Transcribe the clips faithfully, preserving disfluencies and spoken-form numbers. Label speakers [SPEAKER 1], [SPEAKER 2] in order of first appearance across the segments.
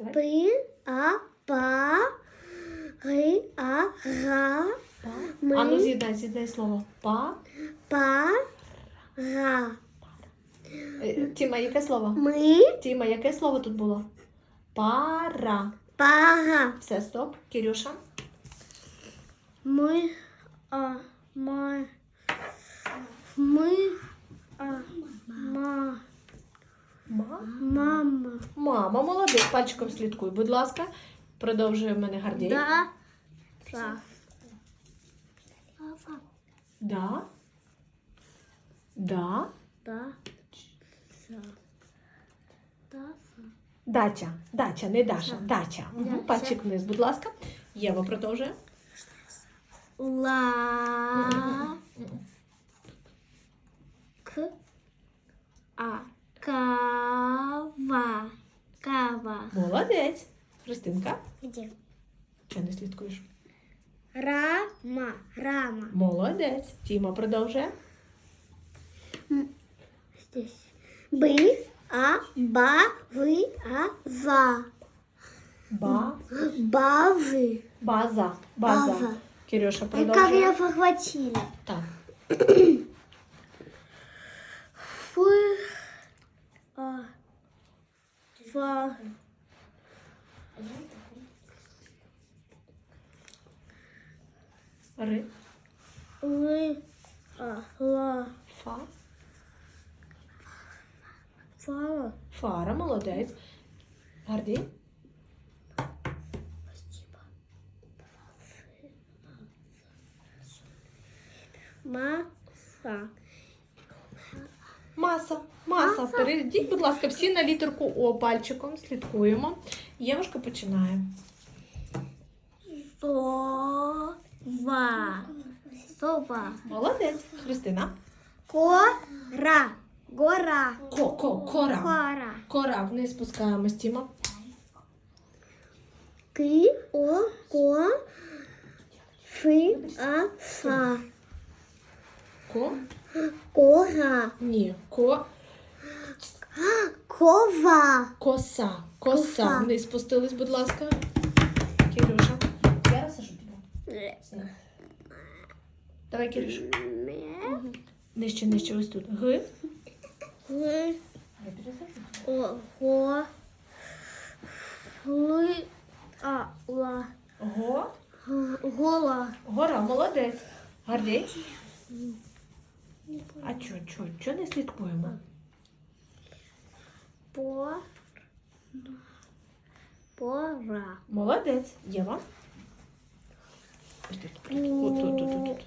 [SPEAKER 1] Давай.
[SPEAKER 2] Пи, а, па, ри, а, ра,
[SPEAKER 1] Па.
[SPEAKER 2] ми,
[SPEAKER 1] А ну з'єднай, з'єднай слово. Па.
[SPEAKER 2] па, ра.
[SPEAKER 1] Е, Тіма, яке слово?
[SPEAKER 2] Ми,
[SPEAKER 1] Тіма, яке слово тут було? Пара.
[SPEAKER 2] пара.
[SPEAKER 1] Все, стоп. Кирюша.
[SPEAKER 2] Ми, а, ма, ми, а, ма,
[SPEAKER 1] Ма.
[SPEAKER 2] мама.
[SPEAKER 1] Мама, молодець. Пальчиком слідкуй, будь ласка. Продовжує в мене Гордій.
[SPEAKER 2] Да, та.
[SPEAKER 1] Да. Да.
[SPEAKER 2] Да, та. Да, та.
[SPEAKER 1] Дача. Дача, не Даша. Дача. Угу.
[SPEAKER 2] Дача.
[SPEAKER 1] Пальчик вниз, будь ласка. Єва продовжує.
[SPEAKER 2] Ла, к, а, кава, кава.
[SPEAKER 1] Молодець. Христинка.
[SPEAKER 2] Где?
[SPEAKER 1] Чого не слідкуєш?
[SPEAKER 2] Рама, рама.
[SPEAKER 1] Молодець. Тіма продовжує.
[SPEAKER 2] Здесь. Бы, а, ба, вы, а, ва.
[SPEAKER 1] Ба.
[SPEAKER 2] Бавы.
[SPEAKER 1] База. База.
[SPEAKER 2] База.
[SPEAKER 1] Кирюша
[SPEAKER 2] И как
[SPEAKER 1] продовжує.
[SPEAKER 2] я похватила.
[SPEAKER 1] Так.
[SPEAKER 2] Фы, а, ва.
[SPEAKER 1] Ри.
[SPEAKER 2] Лы, а, ла.
[SPEAKER 1] Фа.
[SPEAKER 2] Фа.
[SPEAKER 1] Фара. Молодець. Гордій.
[SPEAKER 2] Маса.
[SPEAKER 1] Маса. Маса. Перейдіть, будь ласка, всі на літерку О пальчиком. Слідкуємо. Євушка починає.
[SPEAKER 2] Сова. Сова.
[SPEAKER 1] Молодець. Христина.
[SPEAKER 2] Кора. Гора.
[SPEAKER 1] Ко, ко, кора.
[SPEAKER 2] Кора.
[SPEAKER 1] Кора. Вниз спускаємось, Тіма.
[SPEAKER 2] Ки, о, ко. Фи, а, фа.
[SPEAKER 1] Ко.
[SPEAKER 2] Кора.
[SPEAKER 1] Ні. Ко.
[SPEAKER 2] Кова.
[SPEAKER 1] Коса. Коса.
[SPEAKER 2] Коса.
[SPEAKER 1] Вниз спустились, будь ласка. Кирюша. Я розсажу тебе. Давай, Кирюша. Нижче, нижче, ось тут. Г.
[SPEAKER 2] Г. О, го. Ли, а, ла.
[SPEAKER 1] Го.
[SPEAKER 2] Г- Гола.
[SPEAKER 1] Гора, молодець. Гордій. А чо, чо, чо не слідкуємо?
[SPEAKER 2] По. Пора.
[SPEAKER 1] Молодець. Єва. Ось тут. Тут, тут, тут, тут, тут.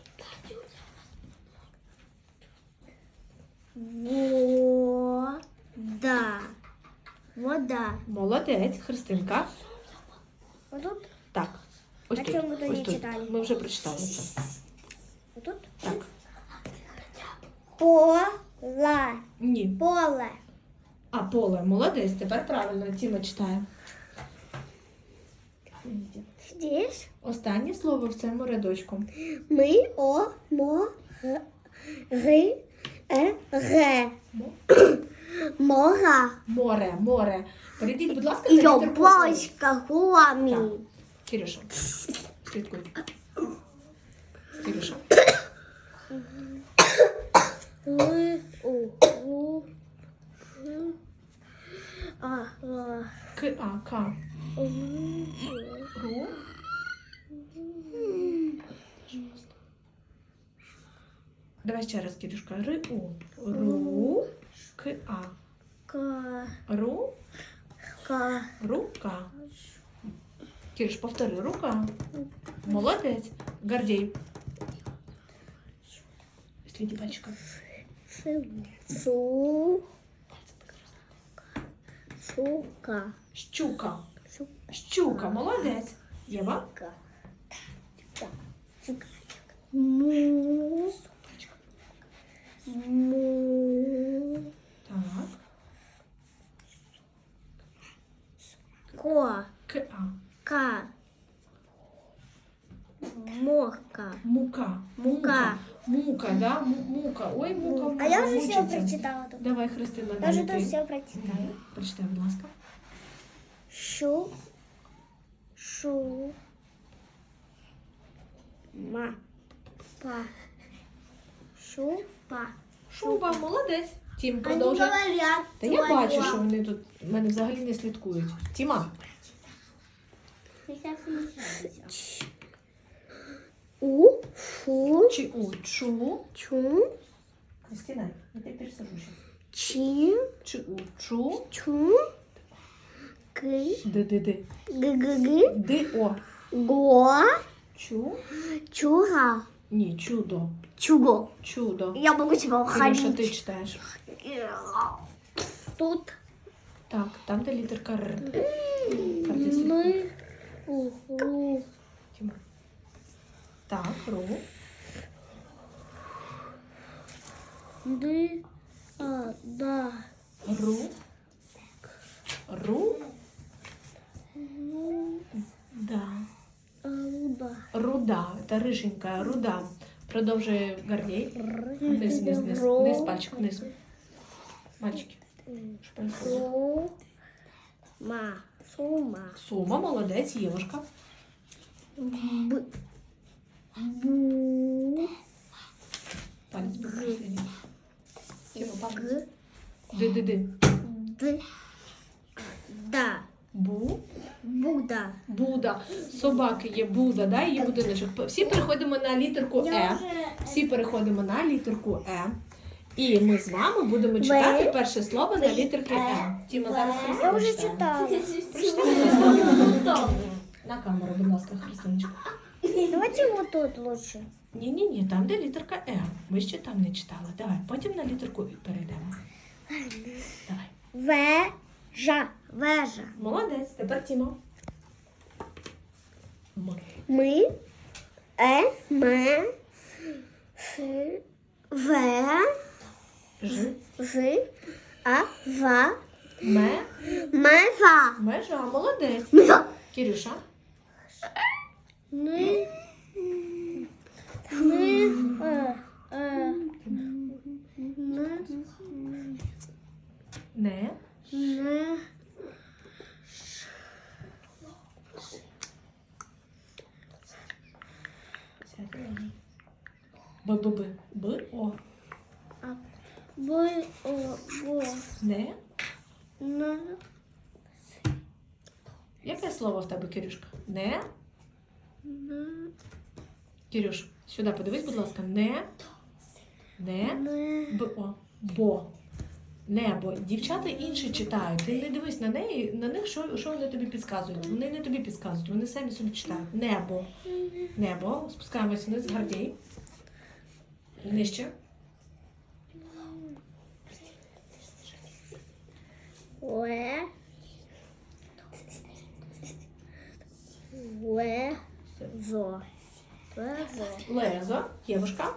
[SPEAKER 2] Вода. Вода.
[SPEAKER 1] Молодець. Христинка.
[SPEAKER 2] Вот тут?
[SPEAKER 1] Так. Ось
[SPEAKER 2] А
[SPEAKER 1] тут.
[SPEAKER 2] чому ми то
[SPEAKER 1] Ось
[SPEAKER 2] не
[SPEAKER 1] тут.
[SPEAKER 2] читали?
[SPEAKER 1] Ми вже прочитали це.
[SPEAKER 2] Вот тут?
[SPEAKER 1] Так.
[SPEAKER 2] Пола.
[SPEAKER 1] Ні.
[SPEAKER 2] Поле.
[SPEAKER 1] А, поле. Молодець. Тепер правильно. Тіма читає.
[SPEAKER 2] Здесь
[SPEAKER 1] Останнє слово в цьому рядочку.
[SPEAKER 2] мы, о, мо, г, ри, е, ре.
[SPEAKER 1] Мо.
[SPEAKER 2] Мора.
[SPEAKER 1] Море, море. Перейдіть, будь ласка, на літерку О.
[SPEAKER 2] Ёбочка, гуами.
[SPEAKER 1] Так. Кирюша. Слідкуй. Кирюша.
[SPEAKER 2] Ли, у, у, р, а, ла,
[SPEAKER 1] К, А, К.
[SPEAKER 2] у,
[SPEAKER 1] Ру. Давай ще раз, Кирюшка. Ри, У. Ру. К, А.
[SPEAKER 2] ка,
[SPEAKER 1] Ру.
[SPEAKER 2] ка,
[SPEAKER 1] Рука. Кирюш, повтори. Рука. Молодець. Гордій. Сліді пальчиком.
[SPEAKER 2] су, сука,
[SPEAKER 1] Щука.
[SPEAKER 2] сука,
[SPEAKER 1] Щука. Молодець. Єва.
[SPEAKER 2] му, му,
[SPEAKER 1] Так.
[SPEAKER 2] ко,
[SPEAKER 1] К, А.
[SPEAKER 2] ка, морка.
[SPEAKER 1] Мука.
[SPEAKER 2] Мука.
[SPEAKER 1] Мука, да? М- Мука. Ой, мука.
[SPEAKER 2] А я уже
[SPEAKER 1] мучиться.
[SPEAKER 2] все прочитала тут.
[SPEAKER 1] Давай, Христина,
[SPEAKER 2] Я уже
[SPEAKER 1] далі
[SPEAKER 2] тут
[SPEAKER 1] ти.
[SPEAKER 2] все прочитала.
[SPEAKER 1] Прочитай, будь ласка.
[SPEAKER 2] Шу. Шу. Ма. Па. Шупа.
[SPEAKER 1] Шуба, молодець. Тім,
[SPEAKER 2] Они
[SPEAKER 1] продовжуй.
[SPEAKER 2] говорят.
[SPEAKER 1] Та я
[SPEAKER 2] твоё.
[SPEAKER 1] бачу, що вони тут в мене взагалі не слідкують. Тіма.
[SPEAKER 2] У. Шу.
[SPEAKER 1] Чи у чу.
[SPEAKER 2] Чу.
[SPEAKER 1] Кристина, я тебе пересажу сейчас.
[SPEAKER 2] Чи.
[SPEAKER 1] Чи у чу.
[SPEAKER 2] Чу. Ки.
[SPEAKER 1] Ди ди ди.
[SPEAKER 2] Г. Г. Г.
[SPEAKER 1] Ди о.
[SPEAKER 2] Го.
[SPEAKER 1] Чу.
[SPEAKER 2] Чуга.
[SPEAKER 1] Ні, чудо.
[SPEAKER 2] Чуго.
[SPEAKER 1] Чудо.
[SPEAKER 2] Я могу тебя
[SPEAKER 1] Кирюша, ти
[SPEAKER 2] уходить.
[SPEAKER 1] читаєш.
[SPEAKER 2] Тут
[SPEAKER 1] Так, там де літерка Р. Картя слідкує.
[SPEAKER 2] мы. Угу.
[SPEAKER 1] Тіма. Так, ру.
[SPEAKER 2] Ды. А. Да.
[SPEAKER 1] Ру. Ру.
[SPEAKER 2] Ну.
[SPEAKER 1] Да.
[SPEAKER 2] А. Да.
[SPEAKER 1] Руда. Це риженька, руда. Продовжує Гордій. Вниз, вниз, вниз. Вниз, пальчик, вниз. Мальчики. Що происходит?
[SPEAKER 2] Су. Ма. Сума.
[SPEAKER 1] Сума, молодець, Євушка.
[SPEAKER 2] Б. Бу.
[SPEAKER 1] Палець последній. Тіма, палець.
[SPEAKER 2] Г.
[SPEAKER 1] Ди-ди-ди.
[SPEAKER 2] Д. Да.
[SPEAKER 1] Бу.
[SPEAKER 2] Буда.
[SPEAKER 1] Буда. Собаки є Буда, да, є будиночок. Всі переходимо на літерку Е. Всі переходимо на літерку Е. І ми з вами будемо читати перше слово на літерки Е. Тіма, зараз
[SPEAKER 2] Я
[SPEAKER 1] Христина
[SPEAKER 2] уже
[SPEAKER 1] читає.
[SPEAKER 2] читала.
[SPEAKER 1] Прочитай. На камеру, будь ласка, Христиночка.
[SPEAKER 2] Давайте вот тут лучше.
[SPEAKER 1] Ні-ні-ні, там, де літерка Е. Ви ще там не читали. Давай, потім на літерку І перейдемо. Давай.
[SPEAKER 2] Вежа. Вежа.
[SPEAKER 1] Молодець, тепер Тіма. М.
[SPEAKER 2] Ми. Е. Ме. Ф. В.
[SPEAKER 1] Ж.
[SPEAKER 2] Ж. А. Ва.
[SPEAKER 1] Ме.
[SPEAKER 2] Мева.
[SPEAKER 1] Межа. Молодець.
[SPEAKER 2] Мева.
[SPEAKER 1] Кирюша.
[SPEAKER 2] Ми. Ми. Е. Е. Ме.
[SPEAKER 1] Не.
[SPEAKER 2] Не.
[SPEAKER 1] Б-б-б. Б-о.
[SPEAKER 2] Б. О. Бо.
[SPEAKER 1] Не.
[SPEAKER 2] На.
[SPEAKER 1] Яке слово в тебе, Кирюшка? Не.
[SPEAKER 2] На.
[SPEAKER 1] Кирюш, сюди подивись, будь ласка. Не. Не.
[SPEAKER 2] Не.
[SPEAKER 1] Б-о. Бо. Небо. Дівчата інші читають. Ти не дивись на неї, на них, що, що вони тобі підказують. Вони не тобі підказують, вони самі собі читають. Небо. Небо. Спускаємося вниз, Гордій. Нижче.
[SPEAKER 2] Уе. Уе. Зо. Везо.
[SPEAKER 1] Лезо. Євушка.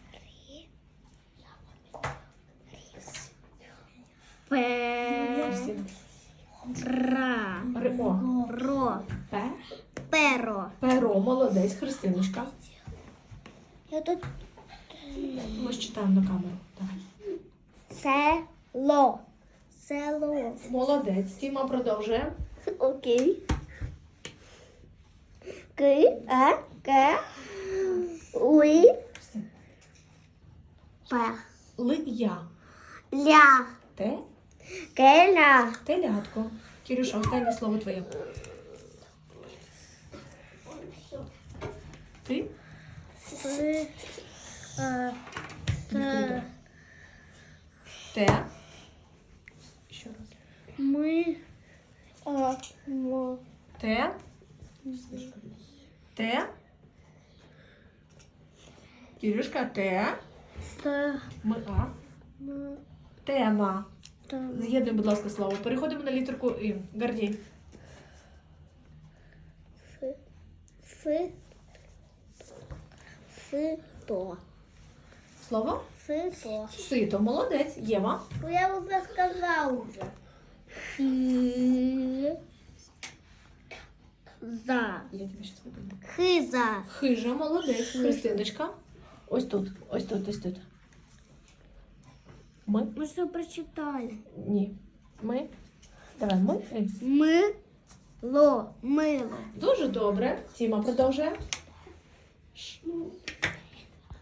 [SPEAKER 2] Пе.
[SPEAKER 1] Кристина.
[SPEAKER 2] Ра.
[SPEAKER 1] Ри-о.
[SPEAKER 2] Ро.
[SPEAKER 1] Пе.
[SPEAKER 2] Перо.
[SPEAKER 1] Перо. Молодець. Христиночка.
[SPEAKER 2] Я тут
[SPEAKER 1] Ми ж читаємо на камеру. Давай.
[SPEAKER 2] село. Село.
[SPEAKER 1] Молодець. Тіма продовжує.
[SPEAKER 2] Окей. Ки. А. К. Уи. П.
[SPEAKER 1] Ли-я.
[SPEAKER 2] Ля.
[SPEAKER 1] Те.
[SPEAKER 2] Келя.
[SPEAKER 1] Телятко. Кирюша, останнє слово твоє. Ти?
[SPEAKER 2] С. А. Т.
[SPEAKER 1] Те. Ще раз.
[SPEAKER 2] Ми. А. Мо.
[SPEAKER 1] Те. Те. Кирюшка, те.
[SPEAKER 2] Т.
[SPEAKER 1] Ми а.
[SPEAKER 2] М.
[SPEAKER 1] Тема.
[SPEAKER 2] Та.
[SPEAKER 1] З'єднуй, будь ласка, слово. Переходимо на літерку І. Гордій.
[SPEAKER 2] Фи. Фи. Фито.
[SPEAKER 1] Слово?
[SPEAKER 2] Фито.
[SPEAKER 1] Сито. Молодець. Єва.
[SPEAKER 2] Ну, я уже сказал уже. Хи. За.
[SPEAKER 1] Я тобі щас напомню.
[SPEAKER 2] Хиза.
[SPEAKER 1] Хижа. Молодець. Христиночка. Ось тут. Ось тут, ось тут. Ми?
[SPEAKER 2] Мы что прочитали?
[SPEAKER 1] Ні. Ми. Давай, ми. Ей.
[SPEAKER 2] Мы. Ло. Мило.
[SPEAKER 1] Дуже добре. Тіма продовжує.